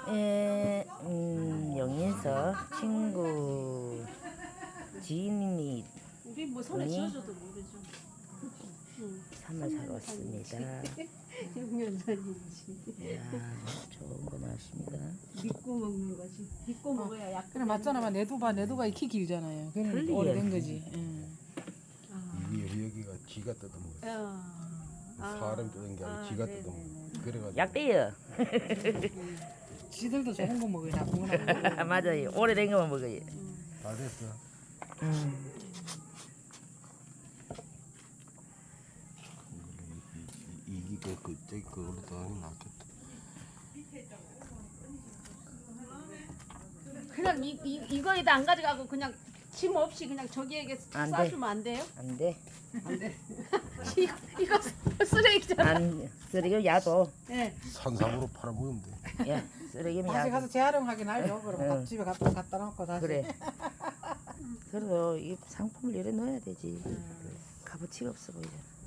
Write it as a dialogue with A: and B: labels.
A: 영인서 친구 지인이
B: 우리 뭐 손에 쥐어줘도 모르죠.
A: 참을 사러 왔습니다.
B: 6년 전이지.
A: 이야, 좋은 거 나왔습니다.
B: 믿고 먹는 거지. 믿고 먹어야 약.
C: 그래 맞잖아. 내두가 익히 길잖아요. 그러니까
A: 틀리게.
C: 오래된 거지.
D: 이게 여기가 지가 뜯어먹었어. 사람 뜯은 게 아니고 지가 뜯어먹었어. 그래가지고
A: 약대요.
C: 지들도 좋은 거 먹어요. 나쁜 거 안 먹어요.
A: 맞아요. 오래된 거만 먹어요.
D: 다 됐어. 이게 저기 그걸로 더 하는 게 낫겠다.
B: 그냥 이거에다 안 가져가고 그냥 짐 없이 그냥 저기에게
A: 안 돼.
B: 싸주면 안 돼요?
A: 안 돼.
B: 이거 쓰레기잖아.
A: 안 쓰레기면 야도.
B: 네.
D: 산삼으로 팔아먹으면 돼.
A: 야, 쓰레기면
C: 다시
A: 야도.
C: 가서 재활용하긴 하죠. 그럼
A: 응.
C: 집에 갖다 놓고 다시.
A: 그래. 그래도 이 상품을 이래 넣어야 되지. 값어치가 없어 보이잖아.